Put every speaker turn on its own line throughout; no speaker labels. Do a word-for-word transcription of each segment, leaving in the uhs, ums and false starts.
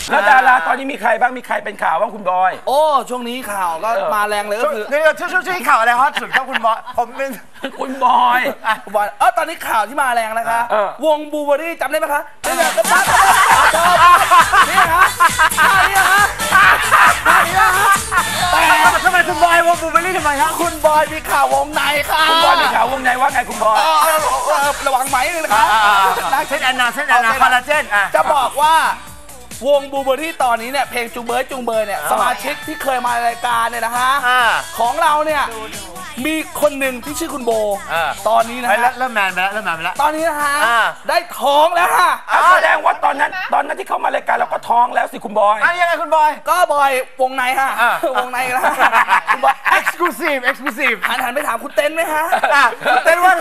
แล้วดาราตอนนี้มีใครบ้างมีใครเป็นข่าวบ้างคุณบอย
โอ้ช่วงนี้ข่าวก็มาแรงเลยก็คือ
นี่ช่วงช่วงข่าวอะไรฮอตสุดครับคุณบอยผมเป็น
คุณบอย
บอยเออตอนนี้ข่าวที่มาแรงนะคะวงบูเบอรี่จำได้ไหมคะนี่แหละก็ปั๊บนี่ฮะนี่ฮะนี่ฮะ
แต่ทำไมคุณบอยวงบูเบอรี่ทำไมฮะ
คุณบอยมีข่าววงในค่ะ
คุณบอยมีข่าววงในว่าไงคุณบอย
ระวังไหมนะคะ
เส้นแอนนาเส้นแอนนาคอลลาเจน
จะบอกว่าวงบูเบอรี่ตอนนี้เนี่ยเพลงจุงเบยจุงเบยเนี่ยสมาชิกที่เคยมารายการเนี่ยนะฮะของเราเนี่ยมีคนหนึ่งที่ชื่อคุณโบตอนนี้นะฮะ
เริ่มแมนไปแล้วเริ่มแมนไปแล้ว
ตอนนี้นะฮะได้ท้องแล้วค่ะ
แสดงว่าตอนนั้นตอนนั้นที่เขามารายการเราก็ท้องแล้วสิคุณบอย
ยังไงคุณบอย
ก็บอยวงในฮะวงในนะ
คุณบอยเอ็กซ์คลูซีฟเอ็กซ์คลูซีฟ
หันหันไปถามคุณเต้นไหมฮะ
คุณเต้นว่า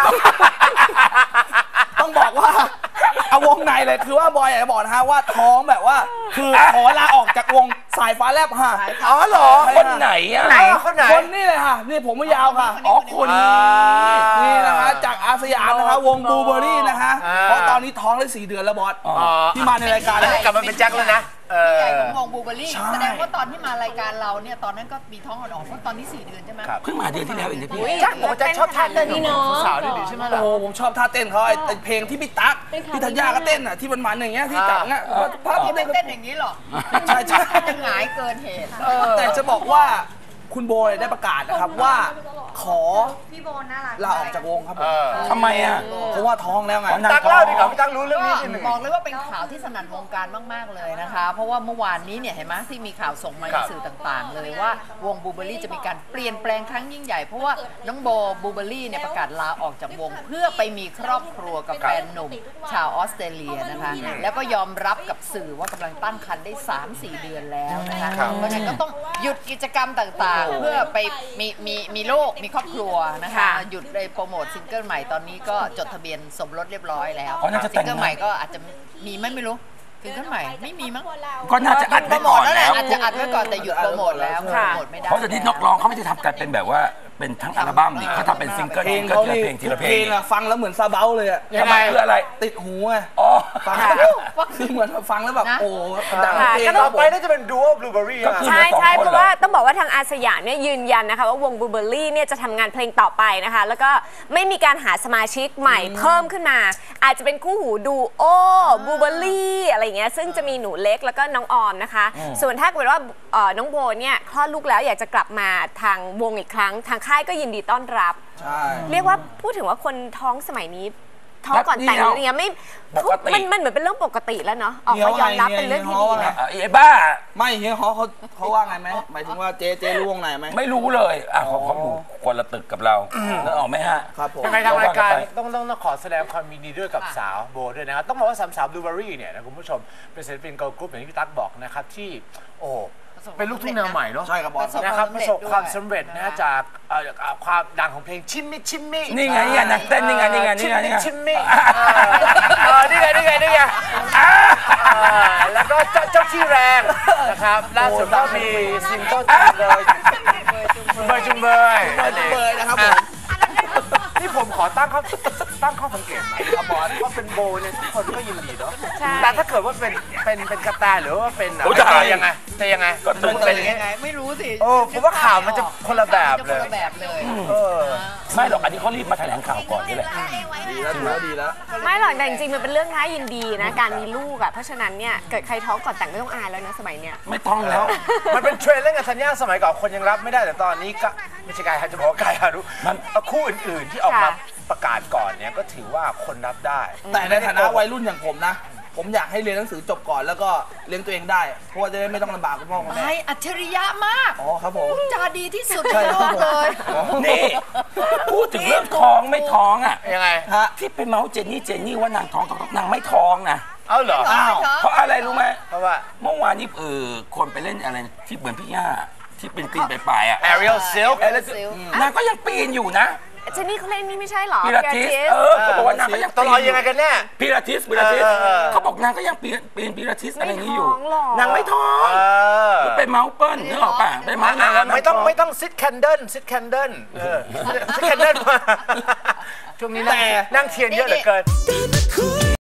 ต้องบอกว่าเอาวงในเลยคือว่าบอยอยากจะบอกนะฮะว่าท้องแบบว่าคือขอลาออกจากวงสายฟ้าแลบฮะ
อ๋อเหรอ
คนไหนอ่ะ
ไหนคนไหน
คนนี่เลยค่ะนี่ผมไม่ยาวค่ะ
อ๋อคน
นี่นะฮะจากอาสยามนะคะวงบูเบอรี่นะคะเพราะตอนนี้ท้องได้สี่เดือนแล้วบอสที่มาในรายการ
แล้วกลับมาเป็นแจ็คแล้วนะ
ใหญ่ของวงบูเบอรี่แสดงว่าตอนที่มารายการเราเนี่ยตอนนั้นก็มีท้องอ่อนๆเพราะตอนนี้สี่เดือนใช่ไหม
เพิ่งมาเดือนที่แล้วเองนะพี่
แจ็คบอกว่าแจ็คชอบท่าเต้นนี่เนาะสาวดีใช่ไหมล่ะ
โอ้ผมชอบท่าเต้นเขาไอเพลงที่พี่ตั๊กพี่ธัญญาก็เต้นอ่ะที่มันมันอย่างเงี้ยที่จับเงี้ย
ภาพที่เต้นอย่างนี้หรอ
ใช่ใช่
หงายเกินเหตุ
แต่จะบอกว่าคุณโบได้ประกาศนะครับว่าขอ
พี่โบน่ารัก
ลาออกจากวงครับผม
ทำไมอ่ะ
เพราะว่าท้องแล้วไง
ตั๊กเล่าดีกว่าพี่ตั๊กรู้เรื่องนี้
บอกเลยว่าเป็นข่าวที่สนั่นวงการมากๆเลยนะคะเพราะว่าเมื่อวานนี้เนี่ยเห็นไหมที่มีข่าวส่งมาในสื่อต่างๆเลยว่าวงบูเบอรี่จะมีการเปลี่ยนแปลงครั้งยิ่งใหญ่เพราะว่าน้องโบบูเบอรี่เนี่ยประกาศลาออกจากวงเพื่อไปมีครอบครัวกับแฟนหนุ่มชาวออสเตรเลียนะคะแล้วก็ยอมรับกับสื่อว่ากำลังตั้งครรภ์ได้ สามถึงสี่ เดือนแล้วนะคะเพราะฉะนั้นก็ต้องหยุดกิจกรรมต่างๆเพื่อไปมีมีมีลูกมีครอบครัวนะคะหยุดเลยโปรโมทซิงเกิลใหม่ตอนนี้ก็จดทะเบียนสมรสเรียบร้อยแล้วซิงเกิลใหม่ก็อาจจะมีไหมไม่รู้ซิงเกิลใหม่ไม่มีมั้ง
ก็น่าจะอัดไว้ก่อนแล้ว
อาจจะอัดไว้ก่อนแต่หยุดโปรโมทแล้วโปรโมทไม่ได้
เพราะตอนนี้นักร้องเขาไม่ได้ทำกันเป็นแบบว่าเป็นทั้งอัลบั้มนี่เขาทำเป็นซิงเกิลก็ทีละเพลงทีละเพลง
ฟังแล้วเหมือนซาเบาเลยอะ
ยังไงคืออะไร
ติดหูไง
อ๋อ
ฟังคือเหมือนฟังแล้วแบบโอ้ดังเพลง
ต่อไปน่าจะเป็นดูโอบลูเบอรี่
ใช่ใช่เพราะว่าต้องบอกว่าทางอาสยามเนี่ยยืนยันนะคะว่าวงบลูเบอรี่เนี่ยจะทำงานเพลงต่อไปนะคะแล้วก็ไม่มีการหาสมาชิกใหม่เพิ่มขึ้นมาอาจจะเป็นคู่หูดูโอบลูเบอรี่อะไรเงี้ยซึ่งจะมีหนูเล็กแล้วก็น้องออมนะคะส่วนถ้าเกิดว่าน้องโบเนี่ยคลอดลูกแล้วอยากจะกลับมาทางวงอีกครั้งทางค่ายก็ยินดีต้อนรับเรียกว่าพูดถึงว่าคนท้องสมัยนี้ท้องก่อนแต่งอะไรเงี้ยไม่มันมันเหมือนเป็นเรื่องปกติแล้วเนาะออกมายอมรับเป็นเรื่องที่ดีนะ
ไอ้บ้า
ไม่เฮียเขาเขาเขาว่าไงไหมหมายถึงว่าเจเจรู้วงไหนไหม
ไม่รู้เลยอ่ะเขาเขาอยู่คนละตึกกับเราแล้วออกไหมฮะ
ครับผม
ยังไงทางรายการต้องต้องขอแสดงความยินดีด้วยกับสาวโบด้วยนะครับต้องบอกว่าสามสาวบลูเบอรี่เนี่ยนะคุณผู้ชมเป็นศิลปินเกิร์ลกรุ๊ปอย่างที่พี่ตั๊กบอกนะครับที่โอ้เป็นลูกทุ่งแนวใหม่เนาะ
ใช่ครับบอส
นะครับประสบความสำเร็จนะจากความดังของเพลงชิมมิชิมมิ
นี่ไงนี่ไงนักเต้นนี่ไงนี่ไงนี่ไงนี่ไง
ชิมมินี่ไงนี่ไงนี่ไงแล้วก็เจ้าที่แรงนะครับล่าสุดก็มีซิงเกิลจุงเบยจุงเบยจุงเบย
จุงเบยนะครับผม
นี่ผมขอตั้งข้อตั้งข้อสังเกตนะบอสว่าเป็นโบเนี่ยทุกคนก็ยินดีเนาะแต่ถ้าเกิดว่าเป็นเป็นเป็นกระแตหรือว่าเป็นอะไรยังไงจะยังไง
ก็เป็นยังไงไม่รู้สิ
โอ้ผมว่าข่าวมันจะคนละแบบเลย
คนละแบบเลย
ไม่หรอกอันนี้เขารีบมาแถลงข่าวก่อนนี่แหละ
ดีแล้วดีแล้ว
ไม่หรอกแต่จริงๆมันเป็นเรื่องน่ายินดีนะการมีลูกอ่ะเพราะฉะนั้นเนี่ยเกิดใครท้องก่อนแต่งไม่ต้องอายแล้วนะสมัยเนี้ย
ไม่ต้องแล้ว
มันเป็นเทรนด์เล่นกับธัญญาสมัยก่อนคนยังรับไม่ได้แต่ตอนนี้ก็ไม่ใช่กายฮาจะบอกกายฮารุมันคู่อื่นๆที่ออกมาประกาศก่อนเนี่ยก็ถือว่าคนรับได้
แต่ในฐานะวัยรุ่นอย่างผมนะผมอยากให้เรียนหนังสือจบก่อนแล้วก็เลี้ยงตัวเองได้เพราะว่าจะได้ไม่ต้องลำบากคุณพ่อคุณแม่
อัจฉริยะมาก
อ๋อครับผม
จาดีที่สุดในโลกเลย
นี่พูดถึงเรื่องท้องไม่ท้องอ่ะ
ยังไง
ฮะที่ไปเมาส์เจนนี่เจนนี่ว่านางท้องนางไม่ท้องนะ
เอาเหรอ
อ้าวเพราะอะไรรู้ไหม
เพราะว่า
เมื่อวานนี้เออคนไปเล่นอะไรที่เหมือนพี่ย่าที่ปีนปีนไปปลายอ่ะ
Ariel Silk
นางก็ยังปีนอยู่นะ
เจนนี่เขาเล่นนี่ไม่ใช่หรอ
พิลาทิสเออเขาบอกว่านางก็ยัง
ตลอดยังไงกันแน่
พิลาทิสพิลาทิสเขาบอกนางก็ยังปีนปีนพิลาทิสอะไรนี้อยู่นางไม่ท้องไปเมาส์เปิ้ลนึกออกป่ะไปเมาส์นาง
ไม่ต้องไม่ต้องซิดแคนเดิลซิดแคนเดิลซิดแคนเดิลช่วงนี้นั่งเทียนเยอะเหลือเกิน